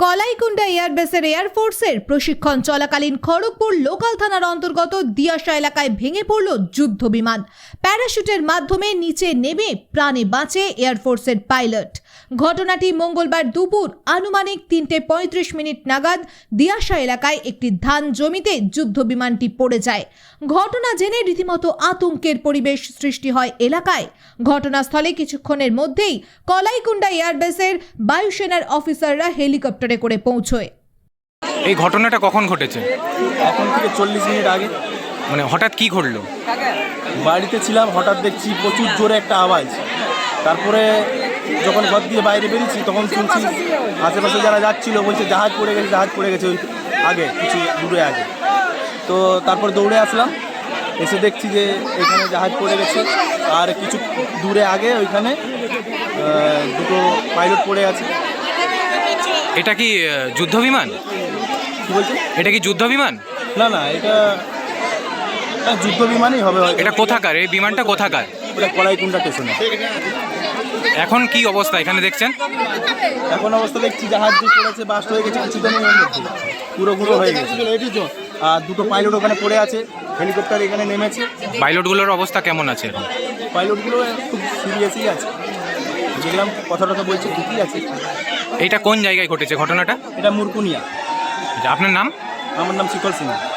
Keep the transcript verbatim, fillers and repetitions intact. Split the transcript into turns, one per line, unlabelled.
কলাইকুণ্ডা এয়ারবেসের এয়ারফোর্সের প্রশিক্ষণ চলাকালীন খড়গপুর লোকাল থানার অন্তর্গত দিয়াশা এলাকায় ভেঙে পড়ল যুদ্ধ বিমান। প্যারাশুটের মাধ্যমে নিচে নেমে প্রাণে বাঁচে এয়ারফোর্সের পাইলট। ঘটনাটি মঙ্গলবার দুপুর আনুমানিক তিনটে পঁয়ত্রিশ মিনিট নাগাদ দিয়াশা এলাকায় একটি ধান জমিতে যুদ্ধ বিমানটি পড়ে যায়। ঘটনা জেনে রীতিমতো আতঙ্কের পরিবেশ সৃষ্টি হয় এলাকায়। ঘটনাস্থলে কিছুক্ষণের মধ্যেই কলাইকুণ্ডা এয়ারবেসের বায়ুসেনার অফিসাররা হেলিকপ্টারে করে পৌঁছয়।
এই ঘটনাটা কখন ঘটেছে?
এখন থেকে চল্লিশ মিনিট আগে।
মানে হঠাৎ কি ঘটলো?
বাড়িতে ছিলাম, হঠাৎ দেখছি প্রচুর জোরে একটা আওয়াজ। তারপরে যখন ঘর দিয়ে বাইরে বেরিয়েছি তখন শুনছি আশেপাশে যারা যাচ্ছিল বলছে জাহাজ পড়ে গেছে, জাহাজ পড়ে গেছে ওই আগে কিছু দূরে আগে। তো তারপর দৌড়ে আসলাম, এসে দেখছি যে এখানে জাহাজ পড়ে গেছে, আর কিছু দূরে আগে ওইখানে দুটো পাইলট পড়ে আছে।
এটা কি যুদ্ধ বিমান?
কি বলছে?
এটা কি যুদ্ধ বিমান?
না না, এটা যুদ্ধ বিমানই হবে।
এটা কোথাকার? এই বিমানটা কোথাকার?
এটা কলাইকুণ্ডা স্টেশনে।
এখন কি অবস্থা এখানে দেখছেন?
এখন অবস্থা দেখছি জাহাজ যে পড়েছে, বাস্ট হয়ে গেছে কিছুদিনের মধ্যে, পুরো গুঁড়ো হয়ে গেছে। আর দুটো পাইলট ওখানে পড়ে আছে, হেলিকপ্টার এখানে নেমেছে।
পাইলটগুলোর অবস্থা কেমন আছে এখন?
পাইলটগুলো খুব সিরিয়াসই আছে, যেগুলো কথা টথা বলছে ঠিকই আছে।
এটা কোন জায়গায় ঘটেছে ঘটনাটা?
এটা মুরকুনিয়া।
আপনার নাম?
আমার নাম শিকল সিং।